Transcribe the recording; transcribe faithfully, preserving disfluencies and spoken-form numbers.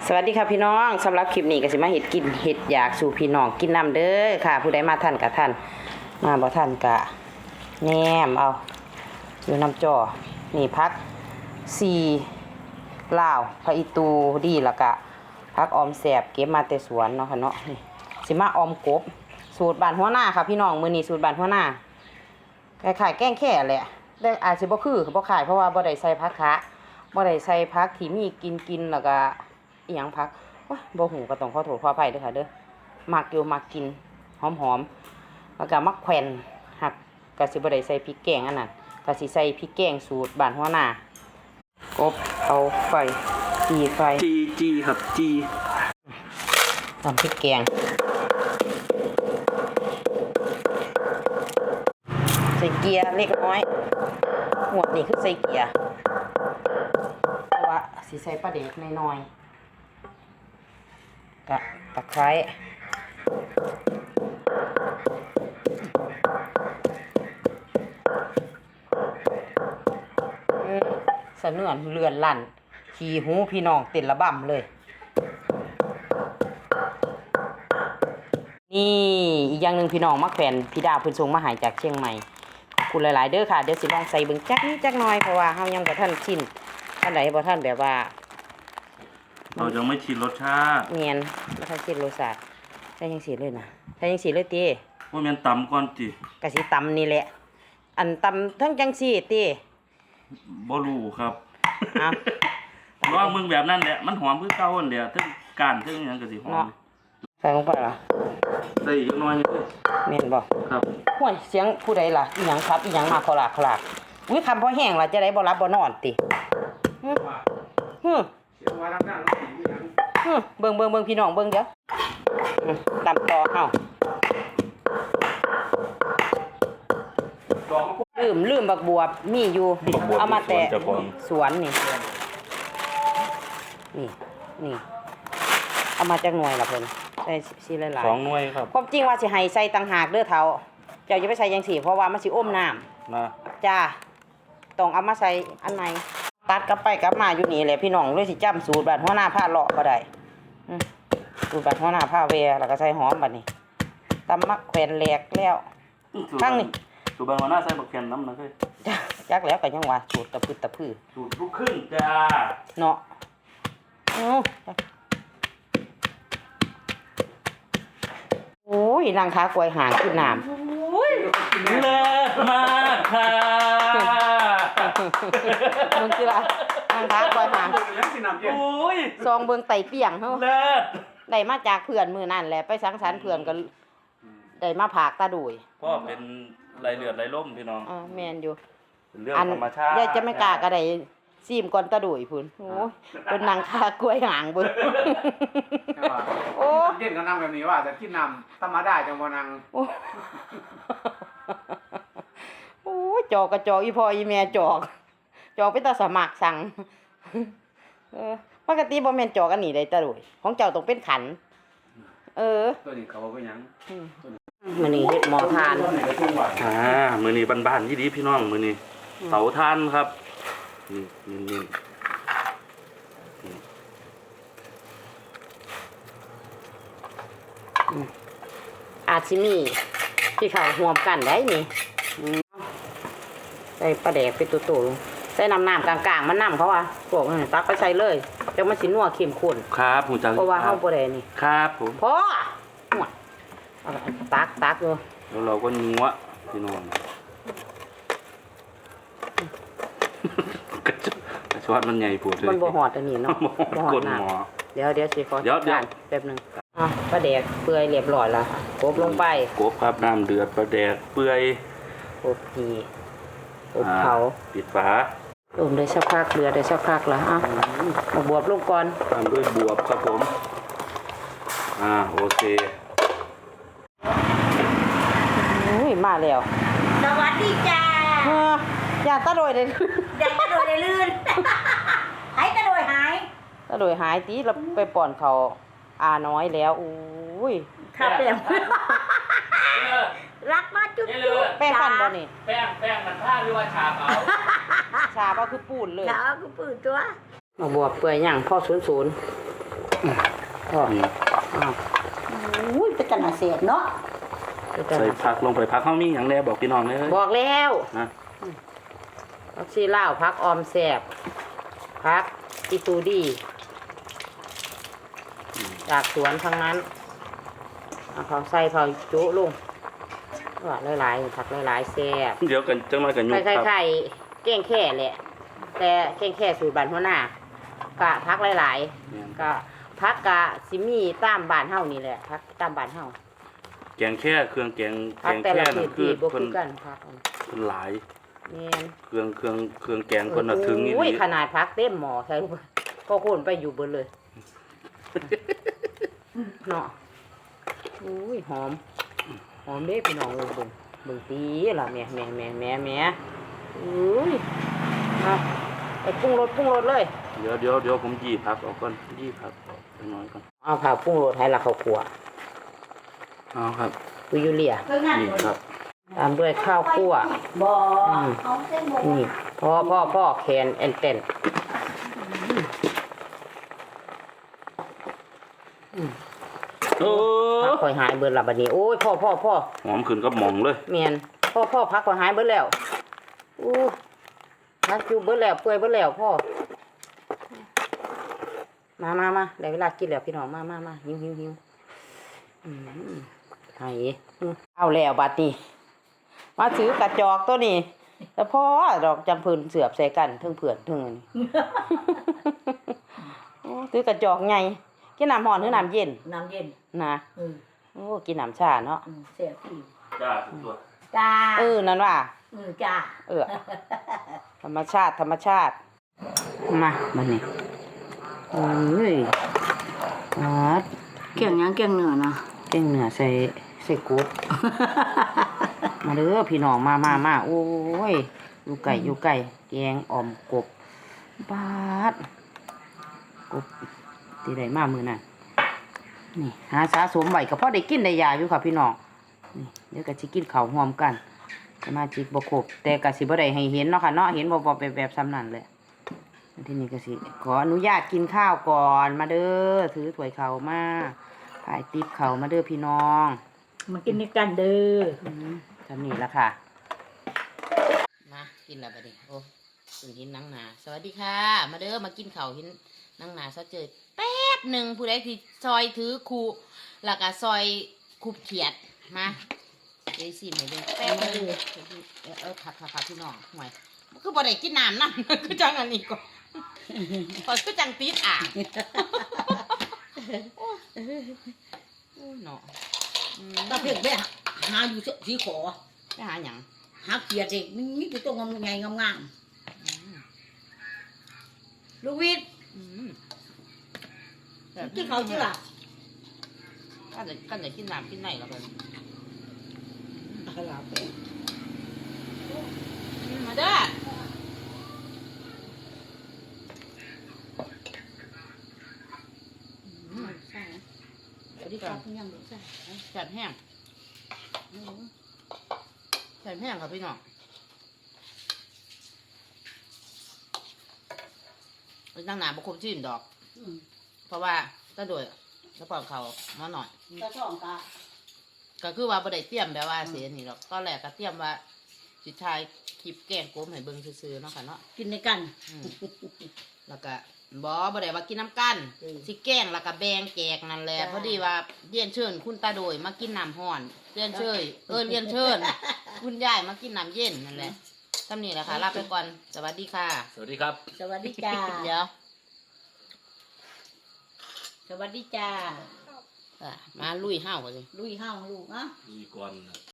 สวัสดีค่ะพี่น้องสำหรับคลิปนี้ก็สิมาเห็ดกินเห็ดอยากสู่พี่น้องกินน้ำเด้อค่ะผู้ใดมาท่านกับท่านมาบ่ท่านกะแหนมเอาอยู่น้ำจ่อนี่พักสี่ลาวพระอีตูดีแล้วก็พักออมแสบเก็บมาแต่สวนเนาะค่ะเนาะนี่สิมาออมกบสูตรบ้านหัวหน้าค่ะพี่น้องมื้อนี้สูตรบ้านหัวหน้าคล้ายๆแกงแค่แหละแต่อาจสิบ่คือบ่ขายเพราะว่าบ่ได้ใส่ผักคะบ่ได้ใส่ผักที่มีกินกินแล้วก็อีหยังพักว้าบ่หูก็ต้องขอโทษขออภัยเด้อค่ะเด้อมักอยู่มักกินหอมๆแล้วก็มักแขวนหักก็สิบ่ได้ใส่พริกแกงอันนั้นก็สิใส่พริกแกงสูตรบ้านหัวหน้ากบเอาไฟจีไฟจีจีครับจีทำพริกแกงใส่เกียร์เล็กน้อยหมวดนี่คือใส่เกียร์เพราะว่าสิใส่ปลาเด็กน้อยๆกะตะไคร้สะเนื่อนเลือนลั่นขี่หูพี่น้องเต้นระบำเลยนี่อีกอย่างหนึ่งพี่น้องมักแฟนพี่ดาวเพิ่นส่งมาหายจากเชียงใหม่ขอบคุณหลายๆเด้อค่ะเดี๋ยวสิลองใส่เบิ่งจักนิดจักหน่อยเพราะว่าเฮายังบ่ทันชินท่านใดบ่ทันแบบว่าเรายังไม่ชินรสชาติเนียนบ่ทันชินรสชาติใส่จังซี่เลยนะใส่จังซี่เลยติว่าแม่นตำก่อนติก็สิตำนี่แหละอันตำทั้งจังซี่ติบ่รู้ครับอ้าวลองมึงแบบนั้นแหละมันหอมคือเก่านั่นแหละถึงก้านถึงหยังก็สิหอมใส่ลงไปล่ะใส่อีกน้อยนึงแม่นบ่ครับห้วยเสียงผู้ใดล่ะอีหยังครับอีหยังมาคลากคลากอุ้ยคำพอแห้งล่ะจะได้บ่รับบ่นอนติฮึฮึฮึเบิ่งเบิ่งเบิ่งพี่น้องเบิ่งเด้อตำต่อเฮาลืมลืมบักบวบมีอยู่เอามาแต่สวนนี่นี่นี่เอามาจากหน่วยล่ะเพิ่นใส่สิหลายๆสองหน่วยครับความจริงว่าสิให้ใส่ต่างหากเด้อเฒ่าเจ้าอย่าไปใส่จังซี่เพราะว่ามันสิอมน้ำนะจ้าต้องเอามาใส่อันไหนตัดกลับไปกลับมาอยู่นี่แหละพี่น้องเลยสิจำสูตรบ้านหัวหน้าผ้าเลาะบ่ได้สูตรบ้านหัวหน้าผ้าแวแล้วก็ใส่หอมบัดนี้ตำมักแขวนแหลกแล้วทั้งนี้สูตรบ้านหัวหน้าใส่บักแคนน้ำนะเด้อจักแล้วก็ยังว่าสูตรตะพืดตะพือสูตรลูกครึ่งจ้าเนาะโอ้ยนางค้ากล้วยหางขึ้นน้ำเลิศมากค่ะมึงสิล่ะนางค้ากล้วยหางโอ้ยซองเบิ่งไตเปียงเฮาเลิศได้มาจากเพื่อนมื้อนั่นแหละไปสังสรรค์เพื่อนก็ได้มาผากตาดุยพ่อเป็นไหลเลือดไหลล่มพี่น้องอ่าแม่นอยู่เป็นเรื่องธรรมชาติยายจะไม่กล้าก็ได้ซีมก่อนตาดุยพุ่นโอ้ยเป็นนางค้ากล้วยหางเบิ่งโอ้เย็นก็นั่งแบบนี้ว่าจะกินน้ำธรรมดาจังบ่นั่งโอ้ยจอกกระจอกอีพ่ออีแม่จอกจอกไปตาสมัครสั่งเออปกติบ่แม่นจอกอันนี้ได้ตาดุยของเจ้าต้องเป็นขันเออตัวนี้เขาว่าเป็นหยังมื้อนี้เฮ็ดหม้อทานอ่ามื้อนี้บ้านๆที่ดีพี่น้องมื้อนี้เตาถ่านครับนี่นี่อาจสิมีที่เขาห่วมกันได้นี่ใส่ปลาแดกไปตัวๆลงใส่น้ำน้ำกลางๆมันน้ำเขาว่าพวกนี้ตักไปใส่เลยจังมันสินัวเข้มข้นครับผมจังเพราะว่าเฮาบ่ได้นี่ครับผมพอหัวตักตักอยู่แล้วเราก็งัวพี่น้องกระชอนมันใหญ่ปวดเลยมันบ่หอดอันนี้เนาะบ่หอดน้ำเดี๋ยวเดี๋ยวสิขอเดี๋ยวเดี๋ยวแป๊บนึงอ่ะปลาแดกเปื่อยเรียบร้อยแล้วกบลงไปกบครับน้ำเดือดปลาแดกเปื่อยกบพีกบเผาปิดฝาต้มได้สักพักเดือดได้สักพักแล้วอ่ะมาบวบลงก่อนตามด้วยบวบครับผมอ่าโอเคอุ้ยมาแล้วสวัสดีจ้าอย่าตะโดยเลยอย่าตะโดยเลยลื่นหายตะโดยหายตะโดยหายตีเราไปป่อนเขาอาน้อยแล้วอุ้ยข้าแป้งรักมาจุ๊บจุ๊บแป้งฟันบ่นี่แป้งแป้งมันผ้าหรือว่าชาเปล่าชาเปล่าคือปูนเลยชาคือปูนตัวมาบวบเปื่อยย่างพ่อศูนย์ศูนย์พ่อนี่อ้าวอุ้ยเป็นตนาเสียเนาะใส่ผักลงไปผักเฮามีหยังแน่บอกพี่น้องเลยบอกแล้วนะพักชีลาวพักออมแสบพักอีตูดีจากสวนทั้งนั้นเอาเขาใส่เขาจุลงว่าหลายๆผักหลายๆแซ่บเดี๋ยวกันจังหน่อยกันยุไข่บไข่ครับไข่เก้งแค่แหละ แต่เก้งแค่สูตรบ้านหัวหน้ากะพักหลายๆกะพักกะสิมีตามบ้านเฮานี่แหละพักตามบ้านเฮาแกงแค่เครื่องแกงแกพักงแต่แค่ละนั่ที่นคืที่อบ่เพิ่คืนอกันพักอันเพิ่นหลายแม่นเครื่องเครื่องเครื่องแกงเพิ่นน่ะถึงนี่โอ้ยขนาดพักเต็มหม้อใส่ลงไปก็โคนไปอยู่เบิดเลยเนาะอุ้ยหอมหอมเด้พี่น้องเบิ่งเบิ่งเบิ่งตีล่ะแม่แม่แม่แม่แม่อุ้ยเอาไปปรุงรสปรุงรสเลยเดี๋ยวเดี๋ยวเดี๋ยวผมยีผักออกก่อนยีผักออกจังหน่อยก่อนเอาผักปรุงรสให้ละข้าวคั่วเอาครับกุยูเรียเครื่องงานนี่ครับตามด้วยข้าวคั่วบ่อืมเอาเส้นหมูนี่พ่อพ่อพ่อแคนแอนเตนโอ้พักคอยหายเบิดละบัดนี้โอ้ยพ่อพ่อพ่อหอมขึ้นกับหม่องเลยเมียนพ่อพ่อพักคอยหายเบิดแล้วอู้พักอยู่เบิดแล้วเปื่อยเบิดแล้วพ่อมามามาได้เวลากินแล้วพี่น้องมามามาหิวหิวหิวอืมไห้อืมเอาแล้วบัดนี้มาถือกระจอกตัวนี้แล้วพ่อดอกจำเพิ่นเสือบใส่กันเทึงเผื่อนเทึงอันนี้ โอ้ถือกระจอกไงกินน้ำร้อนหรือน้ำเย็นน้ำเย็นนะอืมโอ้กินน้ำชาเนาะอืมเสียพี่จ้าทุกตัวจ้าเออนั่นว่าอืมจ้าเออ ธรรมชาติธรรมชาติมาบัดนี้เอ้ยอ๋อเกี่ยงยังเกี่ยงเหนือนะเก่งเหนือใส่ใส่กุ๊บ มาเด้อพี่น้องมามามาโอ้ยอยู่ไก่อยู่ไก่แกงอ่อมกบบาดกบตีได้มามือน่ะนี่หาสะสมไว้ก็พอได้กินได้ยาอยู่ค่ะพี่น้องนี่เดี๋ยวก็สิกินข้าวหอมกันสมาชิกบ่ครบแต่ก็สิบ่ได้ให้เห็นเนาะค่ะเนาะเห็นบ่บ่แบบแบบซ้ำนั่นเลยทีนี้ก็สิขออนุญาตกินข้าวก่อนมาเด้อถือถ้วยข้าวมาถ่ายติ๊บข้าวมาเด้อพี่น้องมากินด้วยกันเด้ออืมทำนี่ละค่ะ มากินแล้วบัดนี้โอ้ตื่นหินนังหนาสวัสดีค่ะ มาเด้อมากินข้าวหินนังหนาซะเจอแป๊บหนึ่งผู้ใดที่ซอยถือคูแล้วก็ซอยคูเขียดมาเดี๋ยวสิมาเด้อแป๊บหนึงเออเออผักผักผักพี่น้องห่วยมันคือบ่ได้กินน้ำนั่น คือจังอันนี้ก่อนพอคือจังติดอ่างโอ้ยเนาะอืมตาเพ่งไปหาอยู่สีขอไปหาหยังหาเกียรติเด็กนี่นี่คือตัวงามไงงามๆลูกวิทย์อืมกินเขาวชื่อล่ะก็จะก็จะกินน้ำกินไหนแล้วกันอะไรไปมาเด้ออืมใช่สวัสดีครับคุณยังเด็กใช่แสบแห้งแสบแห้งครับพี่น้องเป็นตั้งหนาบุคคลชื่นดอก เพราะว่าก็โดยกระป๋องเขามาหน่อยก็ช่องกาก็คือว่าบ่ได้เตรียมแบบว่าเสียนี่หรอกตอนแรกก็เตรียมว่าสิทายคลิปแกล้งโกมให้เบิ่งซื่อๆเนาะค่ะเนาะกินในกันอืมแล้วก็บอบ่ได้ว่ากินน้ำกันอืมสิแกล้งแล้วก็แบ่งแจกนั่นแหละจ้าพอดีว่าเรียนเชิญคุณตาโดยมากินน้ำห้อนเรียนเชิญเออเรียนเชิญ คุณยายมากินน้ำเย็นนั่นแหละทำนี่แหละค่ะลาไปก่อนสวัสดีค่ะสวัสดีครับสวัสดีจ้าเดี๋ยวสวัสดีจ้าอ่ะมาลุยห้าวกันเลยลุยห้าวลูกอ่ะมีก่อน